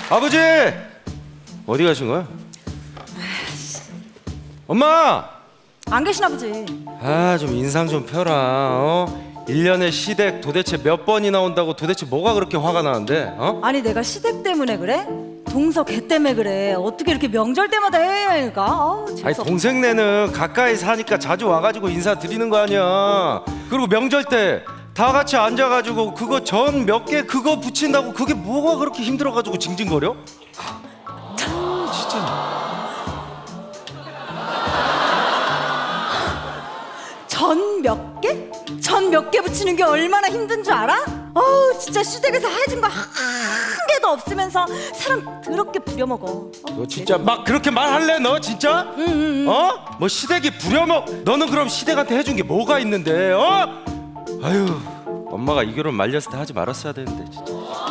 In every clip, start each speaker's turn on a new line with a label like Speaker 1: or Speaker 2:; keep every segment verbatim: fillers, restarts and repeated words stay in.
Speaker 1: 아버지! 어디 가신 거야? 엄마!
Speaker 2: 안 계시나 보지.
Speaker 1: 아, 좀 인상 좀 펴라. 어? 일 년에 시댁 도대체 몇 번이나 온다고 도대체 뭐가 그렇게 화가 나는데? 어?
Speaker 2: 아니 내가 시댁 때문에 그래? 동서 걔 때문에 그래. 어떻게 이렇게 명절 때마다 해야 할까? 아우,
Speaker 1: 아니
Speaker 2: 재수없-
Speaker 1: 동생네는 가까이 사니까 자주 와가지고 인사드리는 거 아니야. 그리고 명절 때 다 같이 앉아가지고 그거 전 몇 개 그거 붙인다고 그게 뭐가 그렇게 힘들어가지고 징징거려? 참 진짜.
Speaker 2: 전 몇 개? 전 몇 개 붙이는 게 얼마나 힘든 줄 알아? 어우 진짜 시댁에서 해준 거 한 개도 없으면서 사람 더럽게 부려먹어.
Speaker 1: 너 진짜 막 그렇게 말할래 너 진짜?
Speaker 2: 응, 응, 응.
Speaker 1: 어? 뭐 시댁이 부려먹 너는 그럼 시댁한테 해준 게 뭐가 있는데 어? 아유 엄마가 이 결혼 말렸을 때 하지 말았어야 되는데 진짜.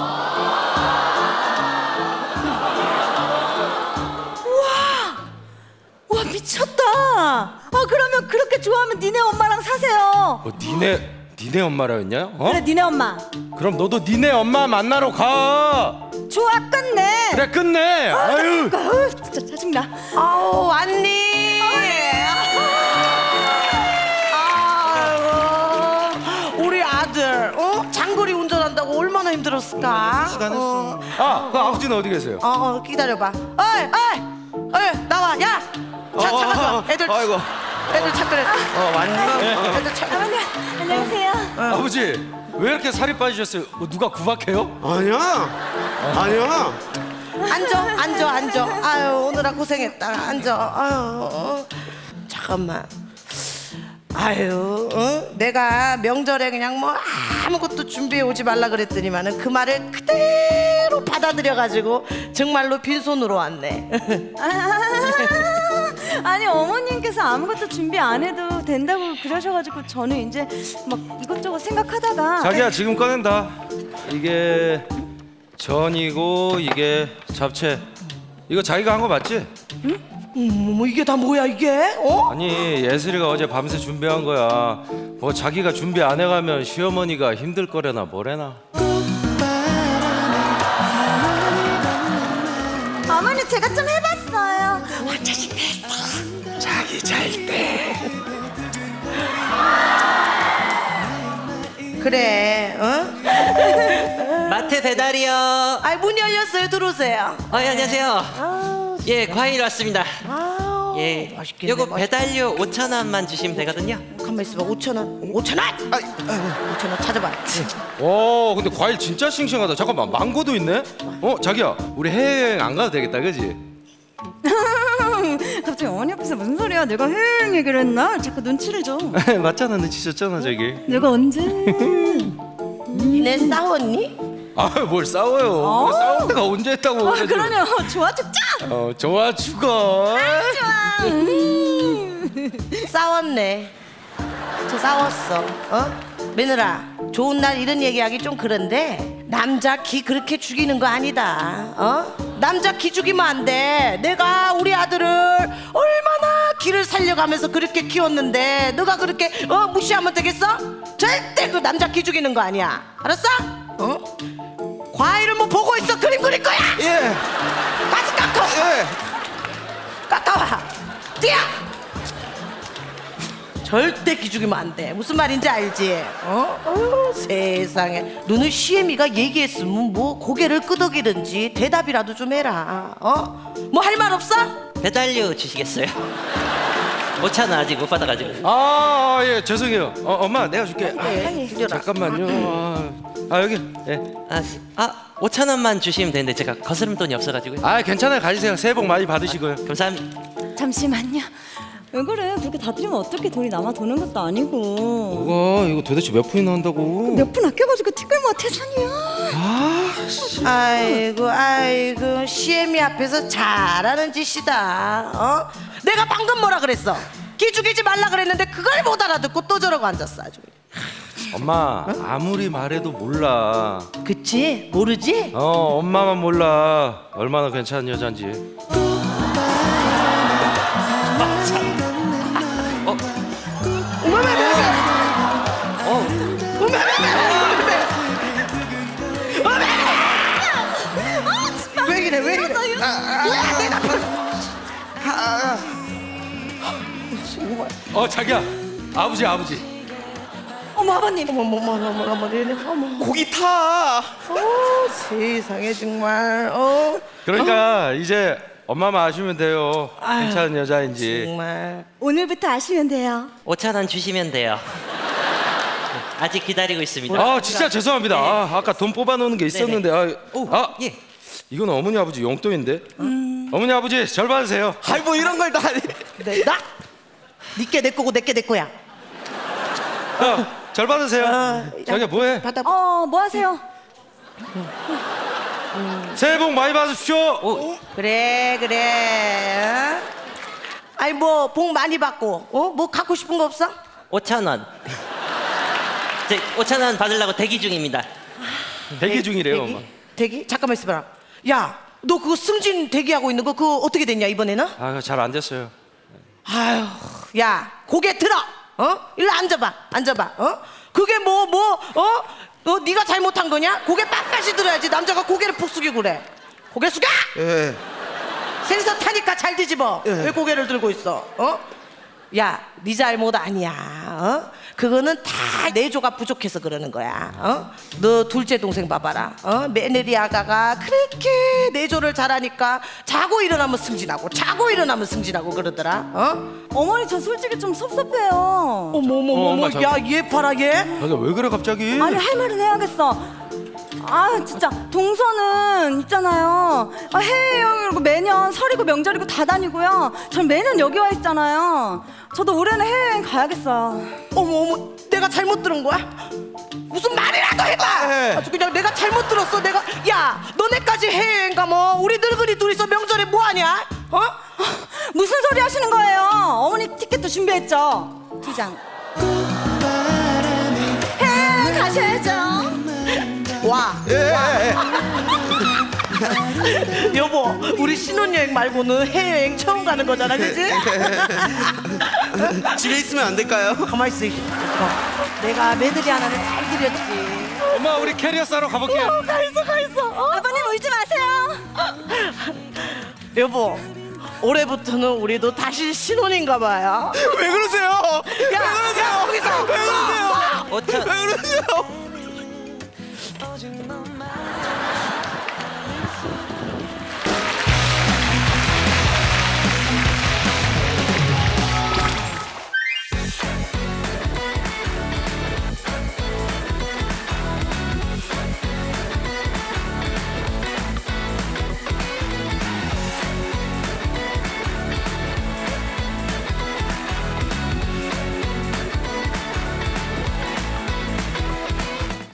Speaker 2: 와 미쳤다. 아 그러면 그렇게 좋아하면 니네 엄마랑 사세요.
Speaker 1: 뭐 니네 니네 엄마라 했냐? 어?
Speaker 2: 그래 니네 엄마.
Speaker 1: 그럼 너도 니네 엄마 만나러 가.
Speaker 2: 좋아 끝내.
Speaker 1: 그래 끝내. 아유.
Speaker 2: 아유 진짜 짜증나.
Speaker 3: 아우 언니. 아이고 우리 아들 어? 장거리 운전한다고 얼마나 힘들었을까? 어,
Speaker 1: 아, 그 아버지는 어디 계세요?
Speaker 3: 어, 어 기다려봐. 어이 어이 어이 나와 야. 차
Speaker 1: 어,
Speaker 3: 차가
Speaker 1: 어, 어,
Speaker 3: 애들
Speaker 1: 아이고.
Speaker 3: 애들 차 끌어. 어 왔니? 애들 차.
Speaker 2: 아버님 안녕하세요.
Speaker 1: 아버지 왜 이렇게 살이 빠지셨어요? 뭐 누가 구박해요?
Speaker 4: 아니야, 아니야.
Speaker 3: 앉아 앉아 앉아. 아유 오늘아 고생했다. 앉아. 아유 어. 잠깐만. 아유, 어? 내가 명절에 그냥 뭐 아무것도 준비해 오지 말라 그랬더니만은 그 말을 그대로 받아들여가지고 정말로 빈손으로 왔네.
Speaker 2: 아니 어머님께서 아무것도 준비 안 해도 된다고 그러셔가지고 저는 이제 막 이것저것 생각하다가
Speaker 1: 자기야 지금 꺼낸다. 이게 전이고 이게 잡채. 이거 자기가 한 거 맞지?
Speaker 3: 음, 뭐 이게 다 뭐야 이게? 어?
Speaker 1: 아니 예슬이가 어제 밤새 준비한 거야. 뭐 자기가 준비 안 해가면 시어머니가 힘들 거래나 뭐래나.
Speaker 2: 어머니 제가 좀 해봤어요.
Speaker 1: 자기 잘 때.
Speaker 3: 그래, 어?
Speaker 5: 마트 배달이요.
Speaker 3: 아, 문 열렸어요. 들어오세요.
Speaker 5: 어, 예, 안녕하세요.
Speaker 3: 아우,
Speaker 5: 예, 과일 왔습니다.
Speaker 3: 아우,
Speaker 5: 예,
Speaker 3: 맛있겠네.
Speaker 5: 요거
Speaker 3: 맛있-
Speaker 5: 배달료 오천 원만 주시면 되거든요.
Speaker 3: 가만 있어봐. 오천 원, 오천 원. 아, 오천 원 찾아봐.
Speaker 1: 오 근데 과일 진짜 싱싱하다. 잠깐만 망고도 있네. 어 자기야 우리 해외여행 안 가도 되겠다 그지?
Speaker 2: 갑자기 어머니 앞에서 무슨 소리야? 내가 해외여행 얘기를 했나? 자꾸 눈치를 줘.
Speaker 1: 맞잖아 눈치 줬잖아 저기.
Speaker 2: 내가 언제?
Speaker 3: 니네 싸웠니?
Speaker 1: 아 뭘 싸워요?
Speaker 2: 어?
Speaker 1: 싸울 때가 언제 했다고?
Speaker 2: 아
Speaker 1: 그래가지고.
Speaker 2: 그러냐? 좋아 죽자.
Speaker 1: 어 좋아 죽어.
Speaker 2: 좋아. 음.
Speaker 3: 싸웠네. 저 싸웠어. 어? 며느라, 좋은 날 이런 얘기하기 좀 그런데 남자 기 그렇게 죽이는 거 아니다. 어? 남자 기 죽이면 안 돼. 내가 우리 아들을 얼마나 기를 살려가면서 그렇게 키웠는데 너가 그렇게 어 무시하면 되겠어? 절대 그 남자 기 죽이는 거 아니야. 알았어? 어? 과일을 뭐 보고 있어. 그림 그릴 거야.
Speaker 1: 예.
Speaker 3: 가서 깎아.
Speaker 1: 예.
Speaker 3: 깎아와. 뛰어. 절대 기죽이면 안 돼. 무슨 말인지 알지? 어? 어 세상에. 너는 시애미가 얘기했으면 뭐 고개를 끄덕이든지 대답이라도 좀 해라. 어? 뭐 할 말 없어?
Speaker 5: 배달료 주시겠어요? 오천 원 아직 못 받아가지고.
Speaker 1: 아, 예, 죄송해요. 어, 엄마, 내가 줄게. 아,
Speaker 3: 빨리 줄여라.
Speaker 1: 잠깐만요. 아, 아, 여기. 예.
Speaker 5: 아, 아, 오천 원만 주시면 되는데 제가 거스름 돈이 없어가지고요.
Speaker 1: 아, 괜찮아요. 가지세요. 새해 복 많이 받으시고요.
Speaker 5: 감사합니다.
Speaker 2: 잠시만요. 왜 그래? 그렇게 다 드리면 어떻게 돈이 남아 도는 것도 아니고.
Speaker 1: 뭐가 이거 도대체 몇 푼이나 한다고?
Speaker 2: 몇 푼 아껴가지고 티끌모아 태산이야.
Speaker 3: 아이고 아이고 시애미 앞에서 잘하는 짓이다. 어? 내가 방금 뭐라 그랬어? 기죽이지 말라 그랬는데 그걸 못 알아듣고 또 저러고 앉았어 아주.
Speaker 1: 엄마, 아무리 말해도 몰라.
Speaker 3: 그치? 모르지?
Speaker 1: 어, 엄마만 몰라. 얼마나 괜찮은 여잔지.
Speaker 5: 어,
Speaker 3: 왜 이래?
Speaker 1: 어 자기야 아버지 아버지.
Speaker 2: 어머 아버님.
Speaker 3: 어머 어머 어머 어머 어머 어머 어머
Speaker 4: 고기 타.
Speaker 3: 어, 세상에 정말 어
Speaker 1: 그러니까 이제 엄마만 아시면 돼요.
Speaker 3: 아유,
Speaker 1: 괜찮은 여자인지.
Speaker 3: 정말
Speaker 2: 오늘부터 아시면 돼요.
Speaker 5: 오천 원 주시면 돼요. 아직 기다리고 있습니다.
Speaker 1: 아 진짜 죄송합니다. 아, 아까 돈 뽑아놓는 게 있었는데. 아,
Speaker 5: 오,
Speaker 1: 아
Speaker 5: 예.
Speaker 1: 이건 어머니 아버지 용돈인데. 어머니 아버지 절 받으세요.
Speaker 4: 아이 뭐 이런 걸 다.
Speaker 3: 내, 나? 니께 내 거고 내께 내 거야.
Speaker 1: 야, 절 받으세요.
Speaker 3: 어,
Speaker 1: 자기야 뭐해?
Speaker 3: 받아.
Speaker 2: 어, 뭐 하세요?
Speaker 1: 새해 복 많이 받으십시오.
Speaker 5: 오,
Speaker 3: 그래 그래. 어? 아니 뭐 복 많이 받고 어? 뭐 갖고 싶은 거 없어?
Speaker 5: 오천 원. 저 오천 원 받으려고 대기 중입니다.
Speaker 1: 대기 중이래요, 엄마.
Speaker 3: 대기? 대기? 잠깐만 있어봐라. 야, 너 그거 승진 대기하고 있는 거 그거 어떻게 됐냐 이번에는?
Speaker 1: 아, 잘 안 됐어요.
Speaker 3: 아유, 야, 고개 들어. 어? 일로 앉아봐, 앉아봐. 어? 그게 뭐 뭐 어? 너 네가 잘못한 거냐? 고개 빳빳이 들어야지. 남자가 고개를 푹 숙이고 그래. 고개 숙여!
Speaker 4: 예.
Speaker 3: 생선 타니까 잘 뒤집어.
Speaker 4: 예.
Speaker 3: 왜 고개를 들고 있어? 어? 야, 네 잘못 아니야. 어? 그거는 다 내조가 부족해서 그러는 거야. 어? 너 둘째 동생 봐봐라. 어? 메네리 아가가 그렇게 내조를 잘하니까 자고 일어나면 승진하고 자고 일어나면 승진하고 그러더라. 어?
Speaker 2: 어머니 저 솔직히 좀 섭섭해요.
Speaker 3: 어머 어머
Speaker 1: 어,
Speaker 3: 어머,
Speaker 1: 엄마,
Speaker 3: 야, 얘 봐라 얘.
Speaker 1: 자기야 왜 그래 갑자기?
Speaker 2: 아니 할 말은 해야겠어. 아 진짜 동서는 있잖아요. 아, 해외여행이고 매년 설이고 명절이고 다 다니고요. 전 매년 여기 와 있잖아요. 저도 올해는 해외여행 가야겠어요.
Speaker 3: 어머 어머, 내가 잘못 들은 거야? 무슨 말이라도 해봐.
Speaker 1: 네.
Speaker 3: 아주 그냥 내가 잘못 들었어. 내가 야, 너네까지 해외여행 가뭐 우리 늙은이 둘이서 명절에 뭐 하냐? 어?
Speaker 2: 무슨 소리 하시는 거예요? 어머니 티켓도 준비했죠. 두 장. 해외여행 가셔야죠.
Speaker 3: 와. 여보, 우리 신혼여행 말고는 해외여행 처음 가는 거잖아, 그지?
Speaker 4: 집에 있으면 안 될까요?
Speaker 3: 가만 있어. 어. 내가 메들리 하나를 잘 드렸지.
Speaker 1: 엄마 우리 캐리어 싸러 가볼게요.
Speaker 3: 가 있어, 가 있어. 어?
Speaker 2: 아버님 울지 마세요.
Speaker 3: 여보, 올해부터는 우리도 다시 신혼인가 봐요.
Speaker 4: 왜 그러세요?
Speaker 3: 야, 야, 거기서.
Speaker 4: 왜 그러세요?
Speaker 5: 오천
Speaker 4: 왜 그러세요?